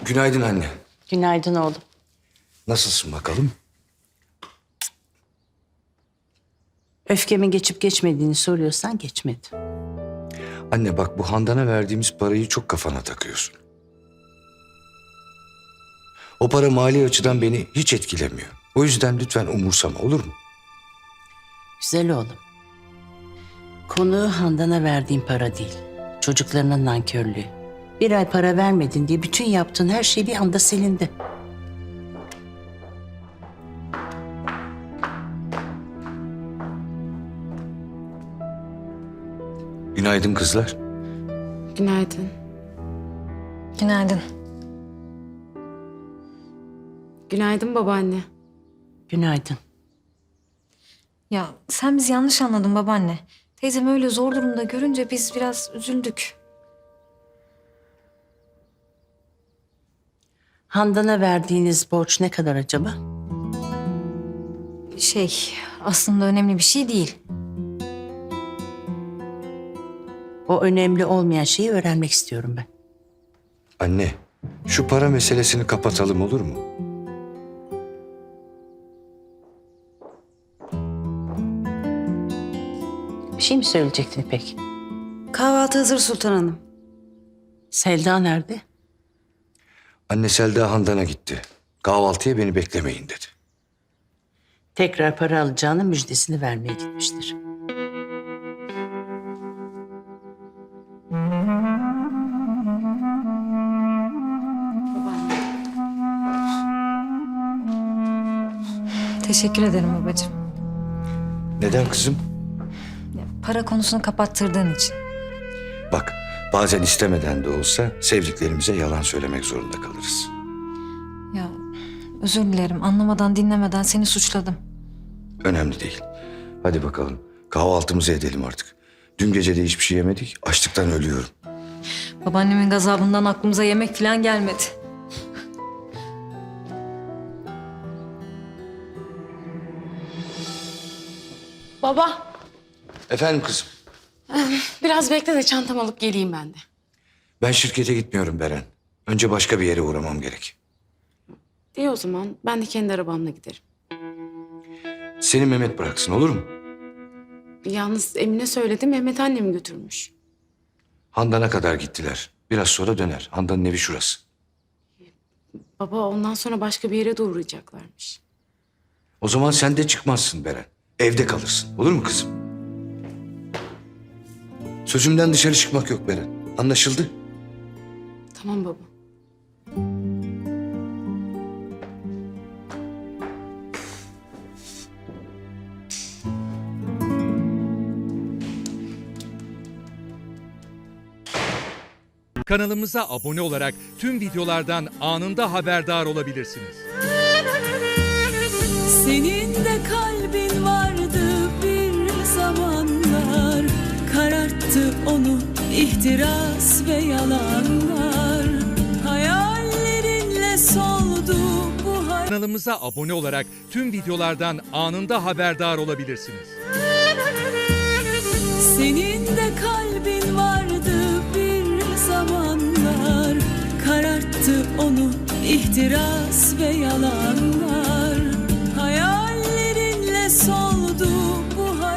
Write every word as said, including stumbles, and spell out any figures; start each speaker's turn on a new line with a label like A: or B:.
A: Günaydın anne.
B: Günaydın oğlum.
A: Nasılsın bakalım?
B: Öfkemin geçip geçmediğini soruyorsan geçmedi.
A: Anne bak, bu Handan'a verdiğimiz parayı çok kafana takıyorsun. O para mali açıdan beni hiç etkilemiyor. O yüzden lütfen umursama, olur mu?
B: Güzel oğlum. Konu Handan'a verdiğin para değil. Çocuklarının nankörlüğü. Bir ay para vermedin diye bütün yaptığın her şey bir anda silindi.
A: Günaydın kızlar.
C: Günaydın.
D: Günaydın.
C: Günaydın babaanne.
B: Günaydın.
D: Ya sen bizi yanlış anladın babaanne. Teyzem öyle zor durumda görünce biz biraz üzüldük.
B: Handan'a verdiğiniz borç ne kadar acaba?
D: Şey aslında önemli bir şey değil.
B: O önemli olmayan şeyi öğrenmek istiyorum ben.
A: Anne, şu para meselesini kapatalım, olur mu?
B: Bir şey mi söyleyecektin İpek?
C: Kahvaltı hazır Sultan Hanım.
B: Selda nerede?
A: Anne, Selda Handan'a gitti. Kahvaltıya beni beklemeyin dedi.
B: Tekrar para alacağının müjdesini vermeye gitmiştir.
D: Teşekkür ederim babacığım.
A: Neden kızım?
D: Ya, para konusunu kapattırdığın için.
A: Bak, bazen istemeden de olsa sevdiklerimize yalan söylemek zorunda kalırız.
D: Ya özür dilerim anlamadan dinlemeden seni suçladım.
A: Önemli değil. Hadi bakalım, kahvaltımızı edelim artık. Dün gece de hiçbir şey yemedik, açlıktan ölüyorum.
D: Babaannemin gazabından aklımıza yemek falan gelmedi.
C: Baba,
A: Efendim kızım,
C: biraz bekle de çantamı alıp geleyim ben de.
A: ben şirkete gitmiyorum Beren. Önce başka bir yere uğramam gerek.
C: İyi o zaman ben de kendi arabamla giderim.
A: Seni Mehmet bıraksın, olur mu?
C: Yalnız Emine söyledi, Mehmet annemi götürmüş.
A: Handan'a kadar gittiler. Biraz sonra döner. Handan'ın evi şurası.
C: Baba ondan sonra başka bir yere de uğrayacaklarmış.
A: O zaman sen de çıkmazsın Beren. Evde kalırsın. Olur mu kızım? Sözümden dışarı çıkmak yok Beren. Anlaşıldı?
C: Tamam baba.
E: Kanalımıza abone olarak tüm videolardan anında haberdar olabilirsiniz.
F: Senin de kalbin vardı bir zamanlar, kararttı onu ihtiras ve yalanlar. Hayallerinle soldu bu hayat.
E: Kanalımıza abone olarak tüm videolardan anında haberdar olabilirsiniz.
F: Senin de kalbin vardı bir zamanlar, kararttı onu ihtiras ve yalanlar. Hayallerinle sol